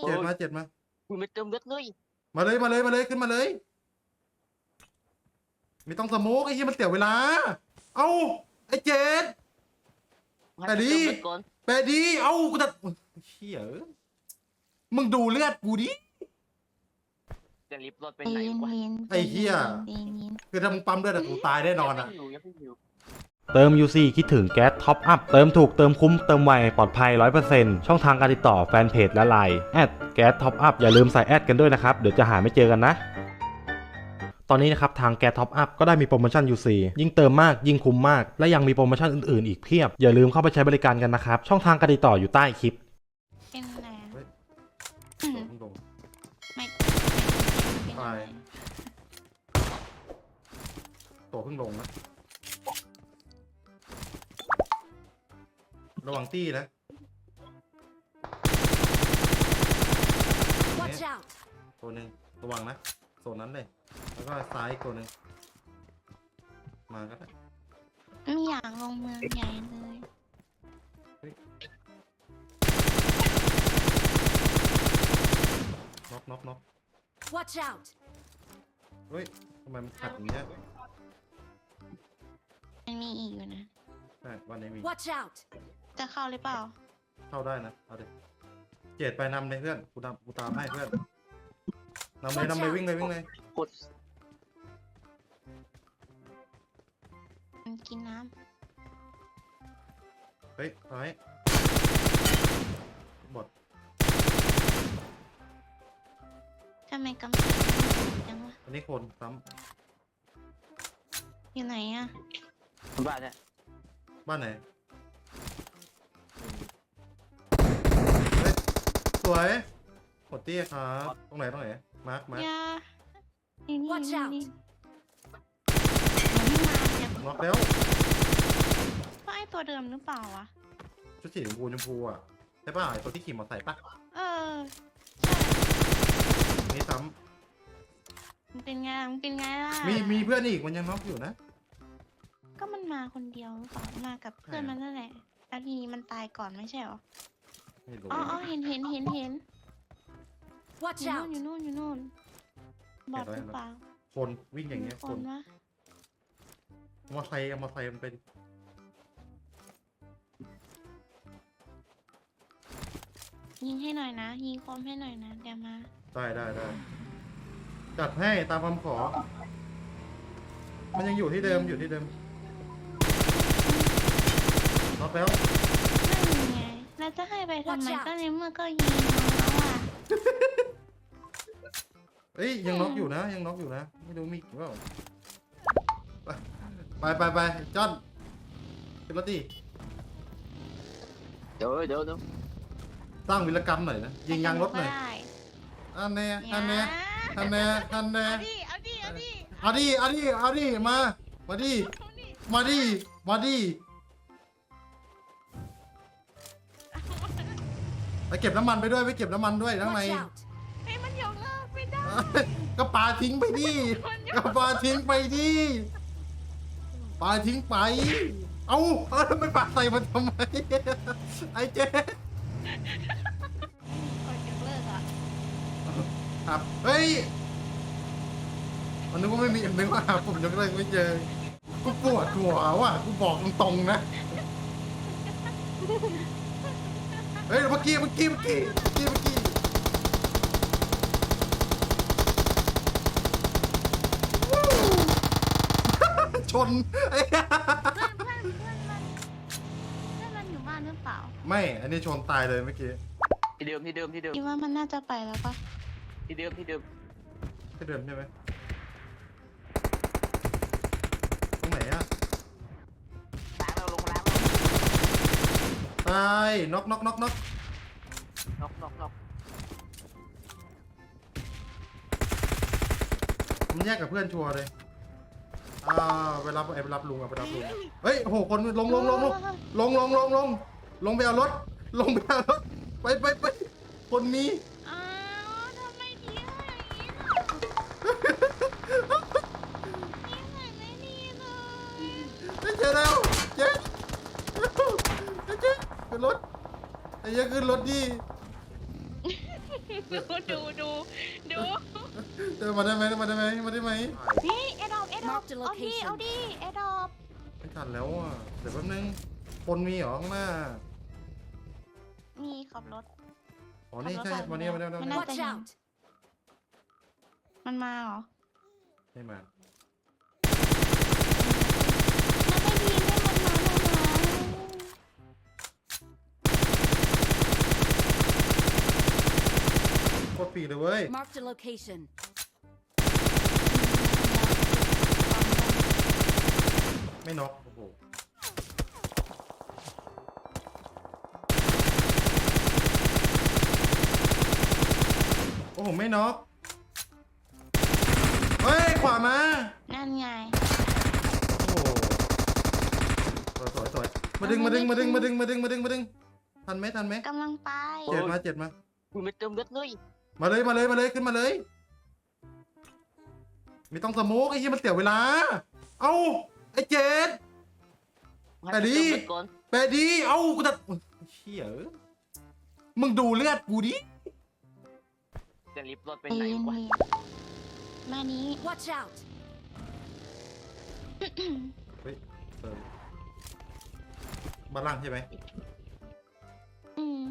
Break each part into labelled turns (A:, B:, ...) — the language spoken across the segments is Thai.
A: เจ็ดมาเจ็ดมา
B: คุณไม่เติมเลือดเลย
A: มาเลยมาเลยมาเลยขึ้นมาเลยไม่ต้องสโมกไอ้เหี้ยมันเสียเวลาเอ้าไอ้เจ็ด
B: ให้มันเติมเลือดก่อน
A: แปดดีเอ้ากูจะเชี่ยมึงดูเลือดกูดิ
B: จะรีบรถไป
C: ใจ
B: ไหน
C: เย็น
B: วะ
C: เย็น
A: ไอ้เหี้ย
C: ใจเย็น
A: คือถ้ามึงปั๊มเลือดอะกูตายแน่นอนอะ
B: ยังไม่อยู่
D: เติม UC คิดถึงแก๊สท็อปอัพเติมถูกเติมคุ้มเติมไวปลอดภัย 100% ช่องทางการติดต่อแฟนเพจและไลน์แอดแก๊สท็อปอัพอย่าลืมใส่แอดกันด้วยนะครับ เดี๋ยวจะหาไม่เจอกันนะ ตอนนี้นะครับทางแก๊สท็อปอัพก็ได้มีโปรโมชั่น UC ยิ่งเติมมากยิ่งคุ้มมากและยังมีโปรโมชั่นอื่นๆอีกเพียบอย่าลืมเข้าไปใช้บริการกันนะครับช่องทางการติดต่ออยู่ใต้คลิป
C: เป็นอะไร
A: เฮ้ย
C: อืม
A: ลง
C: ไม่
A: ไป ตัวเพิ่งลงนะระวังตี้นะ
E: Watch out!
A: ตัวหนึ่งระวังนะโซนนั้นเลยแล้วก็ซ้ายอีกตัวหนึ่งมาก็ได้
C: ไม่อยากลงเมืองใหญ่เลย
A: น็อก
E: Watch out!
A: เฮ้ยทำไมมันขัดอย่างเงี้ย
C: มันมีอีกอยู่นะ
A: ใช่วันนี้มี
E: Watch out!
C: จะเข้าหรือเปล่า
A: เข้าได้นะเอาดิเจ็ดไปนำเลยเพื่อนกูตามให้เพื่อนนำเลยวิ่งเลย
B: กด
C: มันกินน้
A: เฮ้ยเอาให้บด
C: ำทำไมกำแพงมันสูงจังวะ
A: อันนี้คนซ้
C: อยู่ไหนอะ
B: บ้านเนี่ย
A: ำบ้านไหนเฮ้ยสวยหดเตี้ยครับตรงไหนมาร์ค
C: อย่านี่นี่
E: Watch
C: นี่
E: out
C: นี่มันไม่มาเนี่ย
A: น็อกแล้ว
C: ว่าไอตัวเดิมหรือเปล่าวะ
A: ชุดสีชมพูอ่ะใช่ป่ะไอตัวที่ขี่มอเตอร์ไซค์ป่ะ
C: เออ
A: นี่ซ้
C: มันเป็นไงมันเป็นไงล่ะ
A: ำมีเพื่อนอีกมันยังน็อกอยู่นะ
C: ก็มันมาคนเดียวหรือเปล่ามากับเพื่อนมันนั่นแหละแล้วทีนี้มันตายก่อนไม่ใช่หรอ
A: ไม่รู้
C: อ๋อเห็น
E: Watch
C: อยู่นู่น
E: out!
C: อยู่นู่นบอดหรือเปล่า
A: คนวิ่งอย่างเงี้ย
C: มี
A: คน
C: วะ
A: มอเตอร์ไซค์มันเป็น
C: ยิงให้หน่อยนะยิงคมให้หน่อยนะเดี๋ยวมา
A: ได้จัดให้ตามคำขอ มันยังอยู่ที่เดิมน็อกแล้ว
C: นั่นไงแล้วจะให้ไปทำไม
E: Watch out
C: ก็ในเมื่อก็ยิงแล้วอ่ะ
A: เอ้ยยังน็อกอยู่นะไม่รู้มีกี่เปล่าไปจอนขึ้นรถดิ
B: เดี๋ยว
A: สร้างวิรกรรมหน่อยนะยิงยางรถหน่อย
C: ได้
A: อันแน่
C: อย่า
A: เอาดิมาดิไปเก็บน้ำมันไปด้วยข้างใน
E: Watch out!
C: ให้มันยกเลิกไม่ได้
A: ก็ปาทิ้งไปดิปาทิ้งไปเอาแล้วไม่ปาใส่มันทำไมไอ้เจ๊
C: คนยกเลิกอ่ะ
A: ครับเฮ้ยมันนึกว่าไม่มีนึกว่าผมยกเลิกไม่เจอกูปวดหัวว่ะกูบอกตรงๆนะเฮ้ยเมื่อกี้ชน
C: เพื่อนมันอยู่บ้านหรือเปล่า
A: ไม่อันนี้ชนตายเลยเมื่อกี้
B: ที่เดิม
C: คิดว่ามันน่าจะไปแล้วปะ
B: ที่เดิม
A: ใช่ไหมตรงไหนอะ
B: ล้างเราลงล้าง
A: ตายน็อก
B: น็อก
A: มันแยกกับเพื่อนชัวร์เลยไปรับลุงเฮ้ยโอ้โหคนลงไปเอารถไปคนนี้
C: อ้าวทำไมทิ้งอย่างนี้ล่ะทิ้งไหนไม่ดีเลย
A: เจอแล้วเจ๊ขึ้นรถไอ้เหี้ยขึ้นรถดิ
C: ดู
A: เจอมาได้ไหมมาได้ไหมมาได้ไหม
C: นี่เอดอบเอา
E: Marked a
C: ดิ
E: location
C: เอาดิเอดอบ
A: ไม่ทันแล้วอ่ะเดี๋ยวแป๊บนึงคนมีเหรอข้างหน้า
C: มีขับรถ
A: อ๋อนี่ใช่มาเนี่ยมาเนี่ยมา
C: มัน
A: เนี่ย
C: น่า
E: Watch
C: จะยิง
E: out!
C: มันมาเหรอ
A: ไม่มา
C: มันไม่ยิงให้มันมา
A: โคตรปีเลยเว้ย
E: Marked a location.
A: ไม่น็อกโอ้โหโอ้โหไม่น็อกเฮ้ยขวามา
C: นั่นไง
A: โอ้โหสวยมาดึงทันไหม
C: กำลังไป
A: เจ็ดมา
B: คุณไม่เติมเลือดเลย
A: มาเลยขึ้นมาเลยไม่ต้องสโมกไอ้ที่มันเสียเวลาเอ้าไอ้เจ็ด แต่ดี
B: ให้เติมเลือดก่อน
A: แปดดีเอ้ากูจะเชี่ยเอ้ยมึงดูเลือดกูดิ
B: จะรีบรถไป
C: ตี
B: ไหน
C: น
B: วะ
C: นี่มานี้
E: Watch out!
A: เฮ้ยบ้านล่างใช่ไหม
C: อืม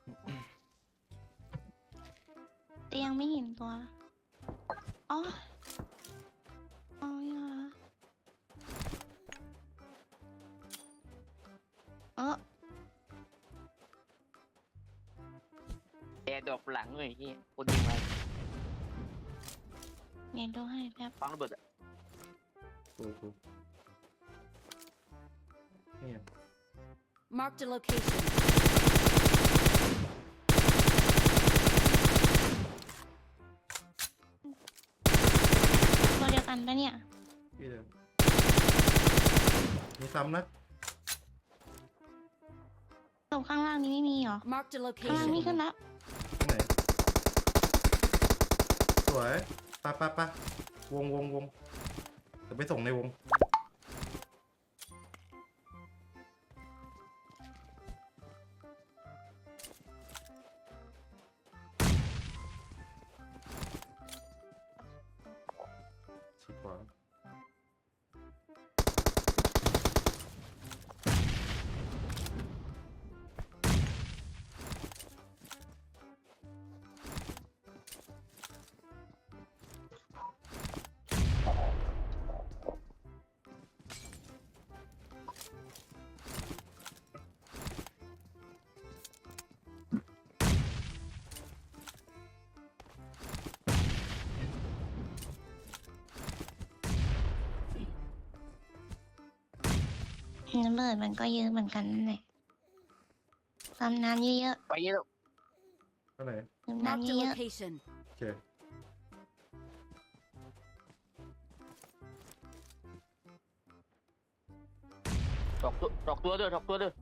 C: แต่ยังไม่เห็นตัว อ๋อ อ๋ออย่าเออ
B: แอร์ดรอปหลังเลยที่คนยิงมา
C: เดี๋ยวดูให้แป๊บ
B: ฟังระเบิดอะ
A: กูนี่ไง
E: Marked a location.
C: ตัวเดียวกันปะเนี่ย
A: พี่เดิมมีซ้ำนะ
C: ตรงข้างล่างนี้ไม่มีเหรอ
E: Marked a
C: ข้างล่างนี่
E: location.
C: ขึ้นแล้ว
A: ตรงไหนสวยปะวงจะไปส่งในวงชิดขวา
C: ระเบิดมันก็เยอะเหมือนกันนั่นแหละความน้ำเยอะ
B: ไปเยอะ
A: ก็ไหน
C: ๆดื่ม
E: Marked
C: น้ำ
E: a
C: เยอะ
E: location.
A: โอเค
B: ดอกตัวเด้อ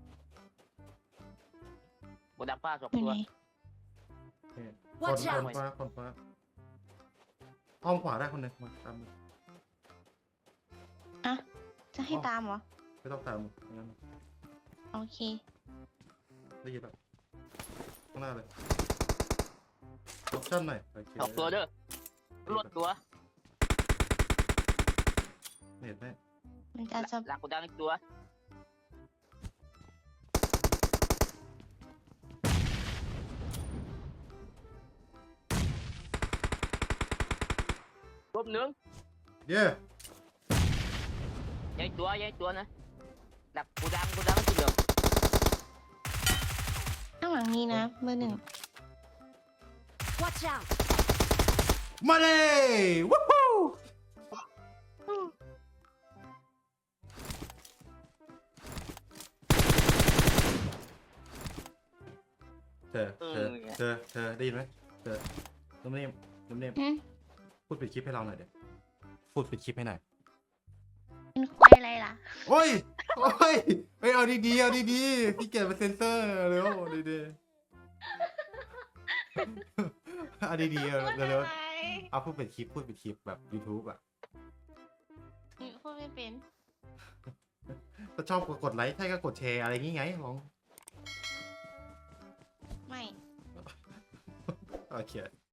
B: โบดักป้าดอก
C: ๆอยู่
B: ตัว
C: ไหน
A: นี่คน
E: Watch
A: ฟ้า
E: out!
A: คนฟ้าอ้อมขวาได้คนหนึ่งมาตามมา
C: อ่ะ จะให้ตามเหรอ
A: ไม่ต้องตามงั้น
C: โอเค
A: ได้ยินแล้วข้างหน้าเลยออปชั่นหน่อยโอเค
B: ดอกตัวเด้อรถตัว
A: เน็ตไหม
C: มันจะ
B: หลังกูดังอีกตัวรบหนึ่ง
A: เย้
B: ย้ายตัวนะดักกูดังที่เดิม
C: ข้างหลังนี้นะมือหนึ่ง
E: Watch out!
A: มาเลยวู้ฮู้เธอได้ยินไหมเธอน้ำเนียม
C: หืม
A: พูดปิดคลิปให้เราหน่อยเดี๋ยวพูดปิดคลิปให้หน่อย
C: เป็นควายอะไรล่ะ
A: โอ้ยเอาดีๆพี่เกียรเป็นเซนเซอร์เร็วดีๆเอาดีๆเร็วๆเอาพูดปิดคลิปแบบ YouTube อ่ะ
C: พูดไม่เป็น
A: ถ้าชอบกดไลค์ใช่ก็กดแชร์อะไรงี้ไงลอง
C: ไม่
A: เอโอเค